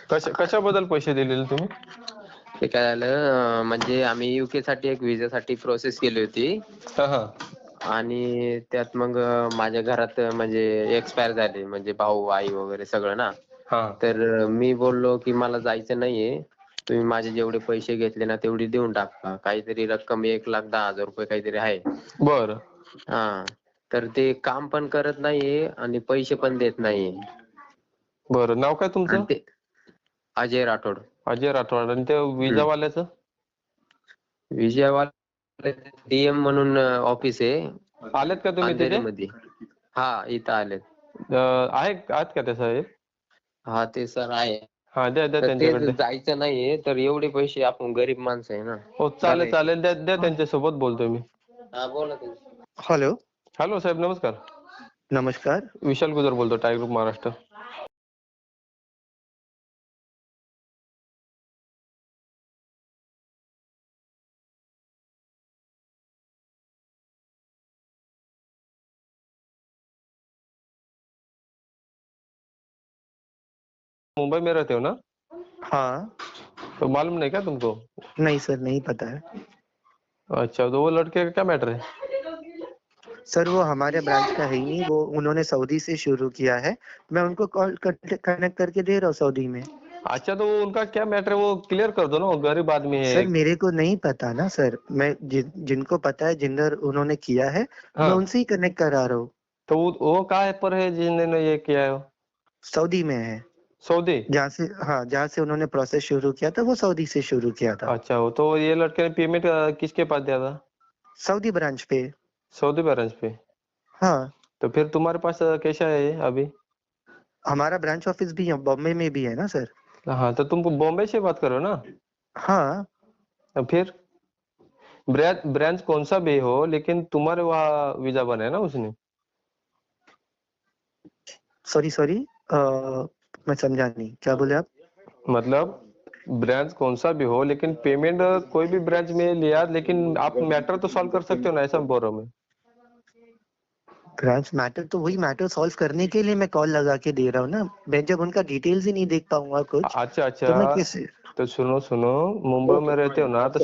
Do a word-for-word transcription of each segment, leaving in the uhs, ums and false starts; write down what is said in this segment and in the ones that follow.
कशा कशाबद्दल पैसे दिलेले तुम्ही? ते काय झालं अं, म्हणजे आम्ही युके साठी एक विजासाठी प्रोसेस केली होती हा हा आणि त्यात मग अं, माझ्या घरात अं, म्हणजे एक्सपायर झाले म्हणजे भाऊ आई वगैरे सगळं ना. हा तर अं, मी बोललो की मला जायचं नाहीये, तुम्ही माझे जेवढे पैसे घेतले ना तेवढे देऊन टाका. काहीतरी रक्कम एक लाख दहा हजार रुपये काहीतरी आहे. बर हा. तर ते काम पण करत नाहीये आणि पैसे पण देत नाहीये. बर नाव काय आणि तुमचं? ते अजय राठोड. अजय राठोड. आणि ते विजा हम्म. वाल्याचं? विजयवाडा डीएम म्हणून ऑफिस आहे आलेत का तुम्ही तिथे? अंधेरीमध्ये. हा इथं आलेत. अं, आहे आहेत का ते साहेब? हा ते सर आहे. हा द्या द्या तर ते त्यांच्याकडे द्या. जायचं नाहीये तर एवढे पैसे आपण गरीब माणसं आहे ना. हो चालेल चालेल द्या द्या त्यांच्यासोबत बोलतोय मी. हा बोला तुम्ही. हेलो. हॅलो साहेब नमस्कार. नमस्कार. विशाल गुजर बोलतो टायगर ग्रुप महाराष्ट्र. मुंबई में रहते हो ना? हाँ। तो मालूम नहीं क्या तुमको? नहीं सर, नहीं पता है। अच्छा तो वो लड़के का क्या मैटर है? सर वो हमारे ब्रांच का है ही नहीं, वो उन्होंने सऊदी से शुरू किया है। मैं उनको कॉल कनेक्ट करके दे रहा हूँ सऊदी में। अच्छा तो वो उनका क्या मैटर है वो क्लियर कर दो ना, वो गरीब आदमी है। सर मेरे को नहीं पता ना सर, मैं जिन जिनको पता है जिधर उन्होंने किया है मैं हाँ उनसे ही कनेक्ट करा रहा हूँ। तो वो वो कहाँ पर है जिन्होंने ये किया है? सऊदी में है। सऊदी? जहाँ से हाँ जहाँ से उन्होंने प्रोसेस शुरू किया था वो सऊदी से शुरू किया था। अच्छा वो तो ये लड़के ने पेमेंट किसके पास दिया था? सऊदी ब्रांच पे। सऊदी ब्रांच पे? हाँ। तो फिर तुम्हारे पास कैसा है ये अभी? हमारा ब्रांच ऑफिस भी बॉम्बे में भी है ना सर। हाँ तो तुमको बॉम्बे से बात करो ना। हाँ। तो फिर ब्रांच ब्रांच कौन सा भी हो लेकिन तुम्हारे वहाँ वीजा बना है ना उसने। सॉरी सॉरी मैं समझा नहीं, क्या बोले आप? मतलब ब्रांच कौन सा भी हो लेकिन पेमेंट कोई भी ब्रांच में लिया लेकिन आप मैटर तो सॉल्व कर सकते हो ना, ऐसा बोल रहा हूँ मैं। ब्रांच मैटर तो वही मैटर सॉल्व करने के लिए मैं कॉल लगा के दे रहा हूँ ना। मैं जब उनका डिटेल्स ही नहीं देख पाऊंगा कुछ अच्छा तो मैं अच्छा कैसे। तो सुनो सुनो, मुंबई में रहते हो ना तो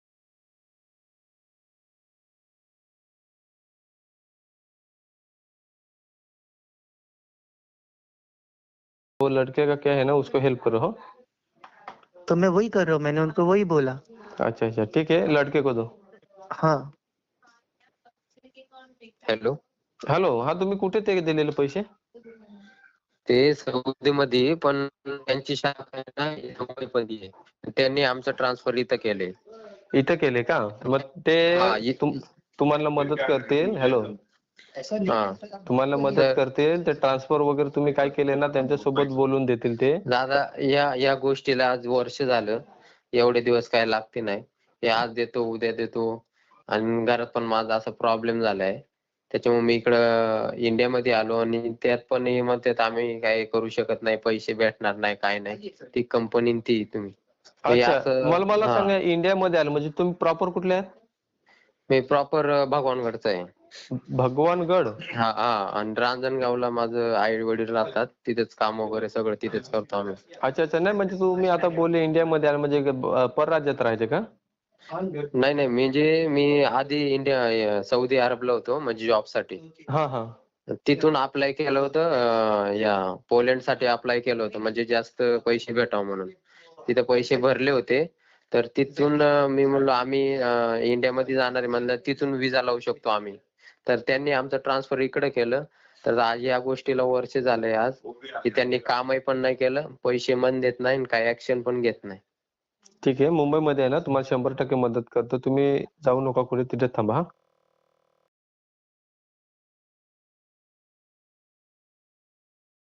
वो लड़के का क्या है ना उसको हेल्प करो। हाँ तो मैं वही कर रहा हूँ, मैंने उनको वही बोला। अच्छा अच्छा ठीक है लड़के को दो। हाँ। हॅलो. हॅलो हा तुम्ही कुठे ते दिलेले पैसे? ते सौदीमध्ये पण त्यांची शाखा आहे ना इथं मुंबईमध्ये आहे. त्यांनी आमचं ट्रान्सफर इथं केले. इथं केले का? मग ते हा इ- तुम तुम्हाला मदत करतील. हॅलो हा. तुम्हाला मदत तर करतील ते ट्रान्सफर वगैरे तुम्ही काय केले ना त्यांच्यासोबत बोलून देतील ते. दादा या या गोष्टीला आज वर्ष झालं. एवढे दिवस काय लागते नाही. हे आज देतो उद्या देतो आणि घरात पण माझा असा प्रॉब्लेम झालाय. त्याच्यामुळे मी इकडं इंडियामध्ये आलो आणि त्यात पण हे म्हणतात आम्ही काय करू शकत नाही, पैसे भेटणार नाही काय नाही. ती कंपनी ती तुम्ही हे अच्छा असं. मला मला हा सांगा इंडियामध्ये आलं म्हणजे तुम्ही प्रॉपर कुठले आहेत? मी प्रॉपर भगवानगडचा आहे. भगवानगड? हा हा आणि रांजणगावला माझं आई वडील राहतात. तिथेच काम वगैरे सगळं तिथेच करतो आम्ही. अच्छा अच्छा नाही म्हणजे तुम्ही आता बोलले इंडियामध्ये आलं म्हणजे अ, परराज्यात राहायचे का? नाही नाही म्हणजे मी आधी इंडिया सौदी अरबला होतो म्हणजे जॉब साठी. हा हा तिथून अप्लाय केलं होतं अं, या पोलंड साठी अप्लाय केलं होतं म्हणजे जास्त पैसे भेटावं म्हणून. तिथे पैसे भरले होते तर तिथून अं, मी म्हणलो आम्ही अं, इंडियामध्ये जाणार आहे म्हणलं तिथून विजा लावू शकतो आम्ही. तर त्यांनी आमचं ट्रान्सफर इकडे केलं. तर आज या गोष्टीला वर्ष झालंय आज की त्यांनी कामही पण नाही केलं, पैसे पण देत नाही आणि काही ऍक्शन पण घेत नाही. ठीक आहे मुंबईमध्ये आहे ना तुम्हाला शंभर टक्के मदत करतो. तुम्ही जाऊ नका कुठे तिथे थांबा. हा